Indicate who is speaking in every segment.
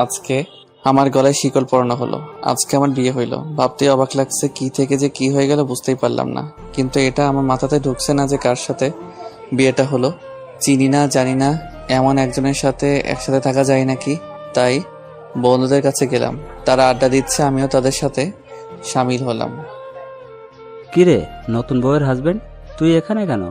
Speaker 1: আজকে আমার গলায় শিকল পরানো হলো। আজকে আমার বিয়ে হইল। ভাবতে অবাক লাগছে, কি থেকে যে কি হয়ে গেল বুঝতেই পারলাম না। কিন্তু এটা আমার মাথাতে ঢুকছে না যে কার সাথে বিয়েটা হলো। চিনি না, জানি না, এমন একজনের সাথে একসাথে থাকা যায় নাকি। তাই বন্ধুদের কাছে গেলাম, তারা আড্ডা দিচ্ছে, আমিও তাদের সাথে সামিল হলাম।
Speaker 2: কিরে, নতুন বউয়ের হাজবেন্ড, তুই এখানে কেন?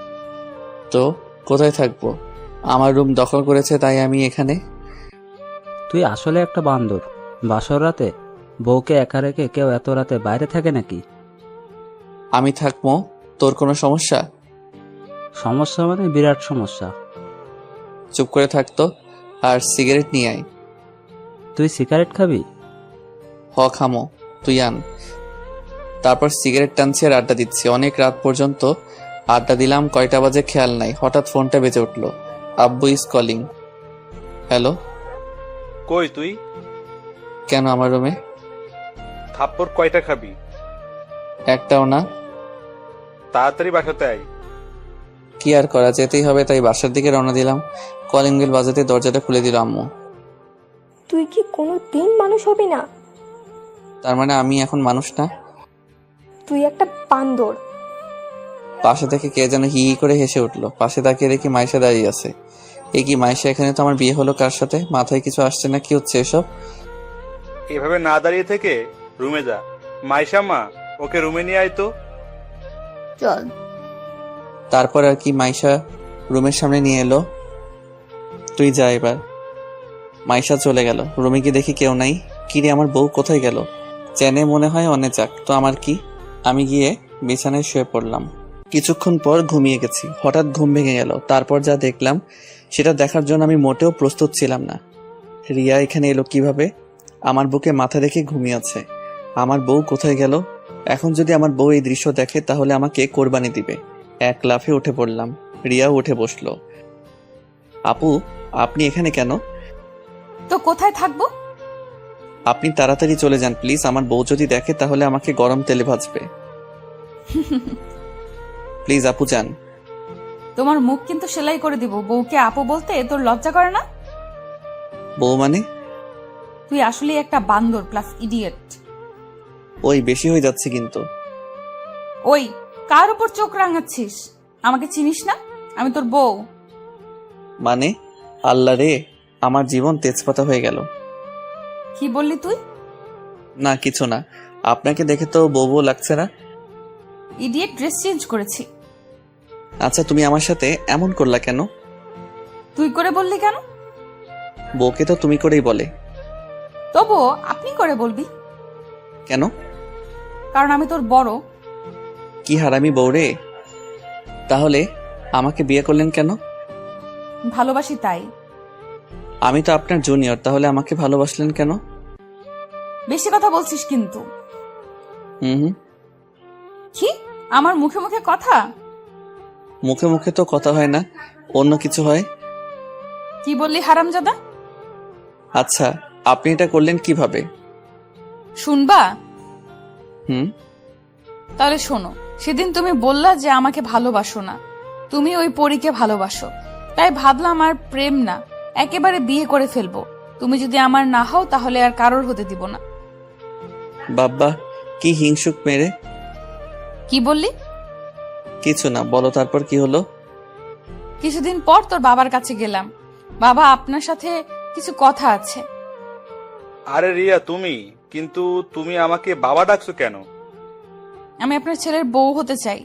Speaker 1: তো কোথায় থাকবো? আমার রুম দখল করেছে, তাই আমি এখানে।
Speaker 2: তুই আসলে একটা বান্দর। বাসর রাতে বউকে একা রেখে কেউ এত রাতে বাইরে থাকে নাকি?
Speaker 1: আমি থাকবো, তোর কোনো সমস্যা?
Speaker 2: সমস্যা মানে বিরাট সমস্যা।
Speaker 1: চুপ করে থাকতো আর সিগারেট নিয়ে আয়।
Speaker 2: তুই সিগারেট খাবি?
Speaker 1: খামো, তুই আন। তারপর সিগারেট টানছি আর আড্ডা দিচ্ছি অনেক রাত পর্যন্ত। আড্ডা দিলাম, কয়টা বাজে খেয়াল নাই। হঠাৎ ফোনটা বেজে উঠলো। আব্বু ইজ কলিং। হ্যালো।
Speaker 3: কই তুই?
Speaker 1: কেন আমার রুমে?
Speaker 3: থাপ্পড় কয়টা খাবি?
Speaker 1: একটাও না।
Speaker 3: তাড়াতাড়ি বাসাতে আয়।
Speaker 1: কি আর করা, যেতেই হবে, তাই বাসার দিকে রওনা দিলাম। কলিং বেল বাজাতে দরজাটা খুলে দিল আম্মু।
Speaker 4: তুই কি কোনো দিন মানুষ হবি না?
Speaker 1: তার মানে আমি এখন মানুষ না?
Speaker 4: তুই একটা বান্দর।
Speaker 1: পাশে থেকে কে যেন হি হি করে হেসে উঠলো। পাশে তাকিয়ে দেখি মাইশা দাঁড়িয়ে আছে। এ কি মাইশা, এখানে তো আমার বিয়ে হলো কার সাথে? মাথায় কিছু আসছে না, কি হচ্ছে এসব?
Speaker 3: এভাবে না দাঁড়িয়ে থেকে রুমে যা। মাইশা মা, ওকে রুমে নিয়ে আয় তো।
Speaker 4: চল।
Speaker 1: তারপর আর কি, মাইশা রুমের সামনে নিয়ে এলো। তুই যা এবার। মাইশা চলে গেল। রুমে গিয়ে দেখি কেউ নাই। কিরে, আমার বউ কোথায় গেল? চেনে মনে হয়, অনে যাক তো, আমার কি। আমি গিয়ে বিছানায় শুয়ে পড়লাম। কিছুক্ষণ পর ঘুমিয়ে গেছি। হঠাৎ ঘুম ভেঙে গেল। তারপর যা দেখলাম সেটা দেখার জন্য আমি মোটেও প্রস্তুত ছিলাম না। রিয়া এখানে এলো কিভাবে? আমার বুকে মাথা রেখে ঘুমিয়ে আছে। আমার বউ কোথায় গেল? এখন যদি আমার বউ এই দৃশ্য দেখে তাহলে আমাকে কোরবানি দিবে। এক লাফে উঠে পড়লাম। রিয়াও উঠে বসলো। আপু, আপনি এখানে কেন?
Speaker 5: তো কোথায় থাকবো?
Speaker 1: আপনি তাড়াতাড়ি চলে যান প্লিজ। আমার বউ যদি দেখে তাহলে আমাকে গরম তেলে ভাজবে। প্লিজ আপু যান।
Speaker 5: তোমার মুখ কিন্তু সেলাই করে দিব। বউকে আপু বলতে তোর লজ্জা করে না?
Speaker 1: বউ মানে?
Speaker 5: তুই আসলে একটা বান্দর প্লাস ইডিয়েট।
Speaker 1: ওই বেশি হয়ে যাচ্ছে কিন্তু।
Speaker 5: ওই, কার উপর চোখ রাঙাচ্ছিস? আমাকে চিনিস না? আমি তোর বউ।
Speaker 1: মানে? আল্লাহ রে, আমার জীবন তেজপাতা হয়ে গেল।
Speaker 5: কি বললি তুই?
Speaker 1: না কিছু না। আপনাকে দেখে তো বউ বউ লাগছে না।
Speaker 5: ইডিয়েট, ড্রেস চেঞ্জ করেছি।
Speaker 1: আচ্ছা, তুমি আমার সাথে এমন করলা কেন?
Speaker 5: তুই করে বললি কেন?
Speaker 1: বউকে তো তুমি করেই বলে।
Speaker 5: তবুও আপনি করে বলবি
Speaker 1: কেন?
Speaker 5: কারণ আমি তোর বড়।
Speaker 1: কি হারামি বউ রে। তাহলে আমাকে বিয়ে করলেন কেন?
Speaker 5: ভালোবাসি তাই।
Speaker 1: আমি তো আপনার জুনিয়র, তাহলে আমাকে ভালোবাসলেন কেন?
Speaker 5: বেশি কথা বলছিস কিন্তু।
Speaker 1: হুম।
Speaker 5: কি? আমার মুখে মুখে কথা?
Speaker 1: মুখে মুখে তো কথা হয় না, অন্য কিছু হয়।
Speaker 5: কি বললি হারামজাদা?
Speaker 1: আচ্ছা, আপনি এটা করলেন কিভাবে?
Speaker 5: শুনবা?
Speaker 1: হুম।
Speaker 5: তাহলে শোনো, সেদিন তুমি বললা যে আমাকে ভালোবাসো না, তুমি ওই পরীকে ভালোবাসো। তাই ভাবলাম আর প্রেম না, একেবারে বিয়ে করে ফেলবো। তুমি যদি আমার না হও তাহলে আর কারোর হতে দিব না।
Speaker 1: বাব্বা, কি হিংসুক মেরে।
Speaker 5: কি বললি?
Speaker 1: কিছু না, বলো তারপর কি হলো?
Speaker 5: কিছুদিন পর তোর বাবার কাছে গেলাম। বাবা, আপনার সাথে কিছু কথা আছে।
Speaker 3: আরে রিয়া, তুমি কিন্তু তুমি আমাকে বাবা ডাকছো কেন?
Speaker 5: আমি আপনার ছেলের বউ হতে চাই।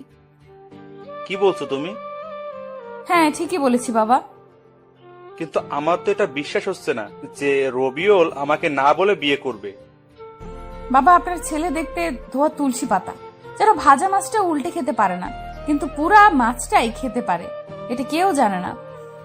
Speaker 3: কি বলছো তুমি?
Speaker 5: হ্যাঁ, ঠিকই বলেছি বাবা।
Speaker 3: কিন্তু আমার তো এটা বিশ্বাস হচ্ছে না যে রবিউল আমাকে না বলে বিয়ে করবে।
Speaker 5: বাবা, আপনার ছেলে দেখতে ধোয়া তুলসী পাতা, যারা ভাজা মাছটা উল্টে খেতে পারে না, কিন্তু পুরা মাছটাই খেতে পারে। এটা কেউ জানে না।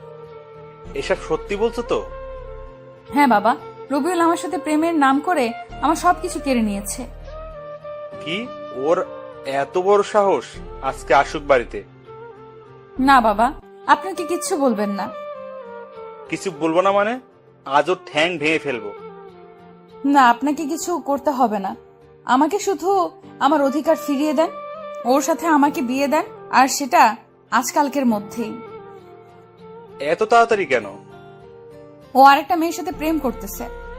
Speaker 3: এসব সত্যি বলছো তো?
Speaker 5: হ্যাঁ বাবা, রবিউল আমার সাথে প্রেমের নাম করে আমার সবকিছু কেড়ে নিয়েছে।
Speaker 3: কি? ওর এত বড় সাহস? আজকে আসুক বাড়িতে।
Speaker 5: না বাবা, আপনাকে কিচ্ছু বলবেন না।
Speaker 3: কিছু বলবো না মানে? আজ ওর ঠ্যাং ভেঙে ফেলবো।
Speaker 5: না, আপনাকে কিছু করতে হবে না। আমাকে শুধু আমার অধিকার ফিরিয়ে দেন, ওর সাথে আমাকে বিয়ে দেন, আর সেটা আজকালকের মধ্যেই।
Speaker 3: এত তাড়াতাড়ি কেন?
Speaker 5: ও আরেকটা মেয়ের সাথে প্রেম করতেছে,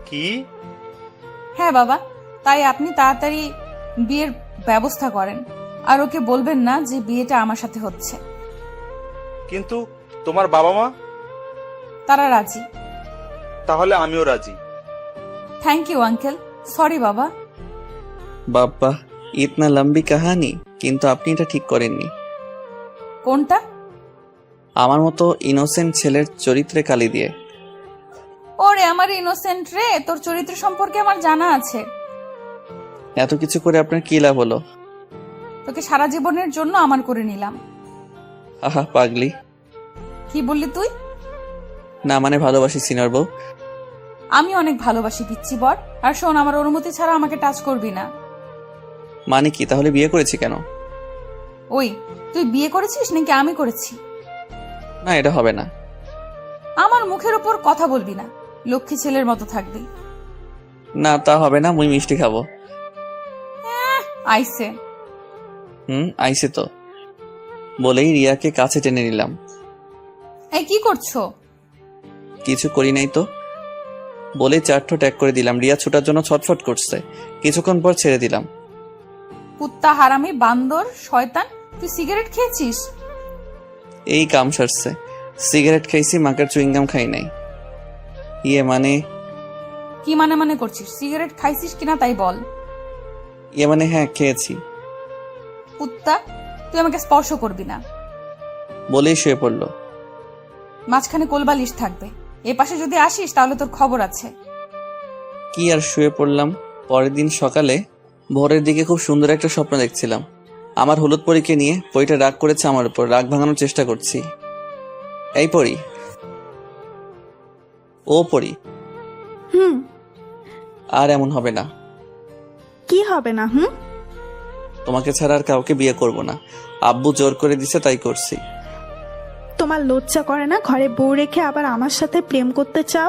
Speaker 3: কি?
Speaker 5: হ্যাঁ বাবা, তাই আপনি তাড়াতাড়ি বিয়ের ব্যবস্থা করেন আর ওকে বলবেন না যে বিয়েটা আমার সাথে হচ্ছে।
Speaker 3: কিন্তু তোমার বাবা মা?
Speaker 5: তারা রাজি।
Speaker 3: তাহলে আমিও রাজি।
Speaker 5: Thank you uncle. সরি বাবা।
Speaker 1: বাপ্পা, ইতনা লম্বি কাহানি, কিন্তু আপনি এটা ঠিক করেননি।
Speaker 5: কোনটা?
Speaker 1: আমার মতো ইনোসেন্ট ছেলের চরিত্রে কালি দিয়ে।
Speaker 5: ওরে আমার ইনোসেন্ট রে, তোর চরিত্র সম্পর্কে আমার জানা আছে।
Speaker 1: এত কিছু করে আপনার কি লাভ হলো?
Speaker 5: তোকে সারা জীবনের জন্য আমার করে নিলাম।
Speaker 1: আহা পাগলি।
Speaker 5: কি বললি তুই?
Speaker 1: না মানে ভালোবাসি সিনিয়র বউ।
Speaker 5: আমি অনেক ভালোবাসি পিচ্ছি বর। আর শোন, আমার অনুমতি ছাড়া আমাকে টাচ করবি না।
Speaker 1: মানে কি, তাহলে বিয়ে করেছি কেন?
Speaker 5: ওই, তুই বিয়ে করেছিস নাকি আমি করেছি?
Speaker 1: না, এটা হবে না।
Speaker 5: আমার মুখের উপর কথা বলবি না, লক্ষ্মী ছেলের মতো থাকবি।
Speaker 1: না তা হবে না, মুই মিষ্টি খাবো।
Speaker 5: আইসে।
Speaker 1: আইসে তো। বলেই রিয়াকে কাছে টেনে নিলাম।
Speaker 5: এই কি করছো?
Speaker 1: কিছু করি নাই তো। বলে চারঠো ট্যাগ করে দিলাম। রিয়া ছুটার জন্য ছটফট করছে, কিছুক্ষণ পর ছেড়ে দিলাম।
Speaker 5: কুত্তা, হারামি, বান্দর, শয়তান, তুই সিগারেট খেয়েছিস?
Speaker 1: এই কাম সারছে। সিগারেট খাইছি, মাকার চুইংগাম খাই নাই। ইয়ে মানে
Speaker 5: কি মানে করছিস? সিগারেট খাইছিস কিনা তাই বল।
Speaker 1: ইয়ে মানে হ্যাঁ খেয়েছি।
Speaker 5: কুত্তা, তুই আমাকে স্পর্শ করবি না।
Speaker 1: বলেই শুয়ে পড়লো।
Speaker 5: মাঝখানে কোলবালিশ থাকবে, এ পাশে যদি আসিস তাহলে তোর খবর আছে।
Speaker 1: কি আর শুয়ে পড়লাম। পরের দিন সকালে ভোরের দিকে খুব সুন্দর একটা স্বপ্ন দেখছিলাম। আমার হলুদ পরীকে নিয়ে। পরীটা রাগ করেছে আমার উপর, রাগ ভাঙানোর চেষ্টা করছি। এই পরী, ও পরী, আর এমন হবে না।
Speaker 6: কি হবে না?
Speaker 1: তোমাকে ছাড়া আর কাউকে বিয়ে করব না। আব্বু জোর করে দিছে, তাই করছি।
Speaker 6: তোমার লজ্জা করে না ঘরে বউ রেখে আবার আমার সাথে প্রেম করতে চাও?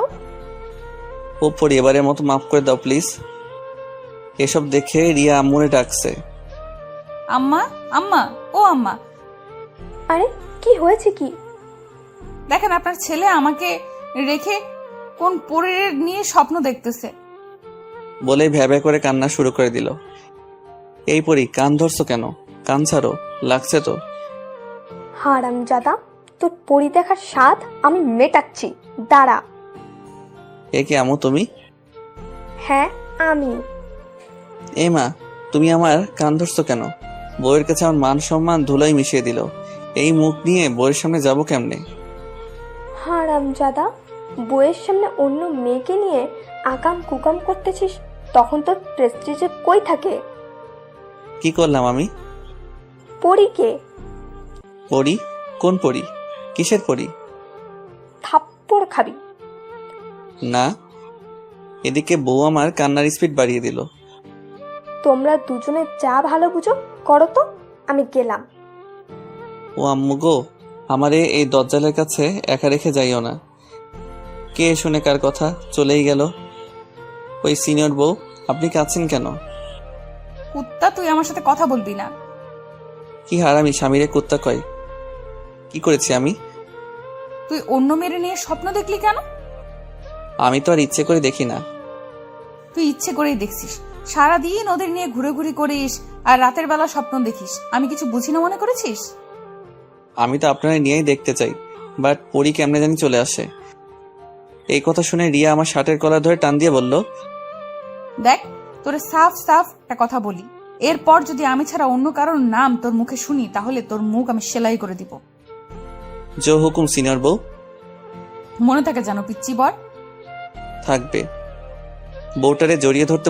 Speaker 1: ও পরী, এবারের মতো মাফ করে দাও প্লিজ। এসব দেখে রিয়া আম্মুরে ডাকছে।
Speaker 5: আম্মা, আম্মা, ও আম্মা,
Speaker 4: আরে কি হয়েছে কি?
Speaker 5: দেখেন আপনার ছেলে আমাকে রেখে কোন পরীর নিয়ে স্বপ্ন দেখতেছে।
Speaker 1: বলে ভ্যাবে করে কান্না শুরু করে দিল। এই পরী, কান ধরছো কেন? কান ছাড়ো, লাগছে তো।
Speaker 4: হারামজাদা, তোর পরি দেখার স্বাদ আমি মেটাচ্ছি, দাঁড়া।
Speaker 1: এ কি আম্মু তুমি?
Speaker 4: হ্যাঁ আমি।
Speaker 1: এ মা, তুমি আমার কান ধরছো কেন? বউয়ের কাছে আমার মান সম্মান ধুলাই মিশিয়ে দিল। এই মুখ নিয়ে বউয়ের সামনে যাবো কেমনে?
Speaker 4: হারামজাদা, বইয়ের সামনে অন্য মেয়েকে নিয়ে আকাম কুকাম করতেছিস, তখন তোর প্রেস্টিজে কই থাকে?
Speaker 1: কি করলাম আমি?
Speaker 4: পরীকে।
Speaker 1: পরী? কোন পরী? কিসের পরী?
Speaker 4: থাপ্পড় খাবি।
Speaker 1: না। এদিকে বউ আমার কান্নার স্পিড বাড়িয়ে দিল।
Speaker 4: তোমরা দুজনে যা ভালো বুঝো করো তো, আমি গেলাম।
Speaker 1: ও আম্মু গো, আমারে এই দজ্জালের কাছে একা রেখে যাইও না। কে শুনে কার কথা চলেই গেল। ওই সিনিয়র বউ, আপনি কাঁদছেন কেন?
Speaker 5: কুত্তা, তুই আমার সাথে কথা বলবি না।
Speaker 1: কি হারামি স্বামীরে কুত্তা কয়? কি করেছি আমি?
Speaker 5: তুই অন্য মেরে নিয়ে স্বপ্ন দেখলি কেন?
Speaker 1: আমি তো আর ইচ্ছে করে দেখি না।
Speaker 5: তুই ইচ্ছে করেই দেখছিস। সারাদিন ওদের নিয়ে ঘুরে করিস আর রাতের বেলা স্বপ্ন দেখিস। আমি কিছু বুঝি না মনে করেছিস?
Speaker 1: আমি তো আপনারা নিয়েই দেখতে চাই, বাট পরী কেমনে জানি চলে আসে। এই কথা শুনে রিয়া আমার শার্টের কলার ধরে টান দিয়ে বলল,
Speaker 5: দেখ, তোরে সাফ একটা কথা বলি, এরপর যদি আমি ছাড়া অন্য কারোর নাম তোর মুখে শুনি তাহলে তোর মুখ আমি সেলাই করে দিব।
Speaker 1: জো হুকুম সিনিয়র বউ।
Speaker 5: মনে থাকে জানো পিচ্চি বর।
Speaker 1: থাকবে। বউটারে জড়িয়ে ধরতে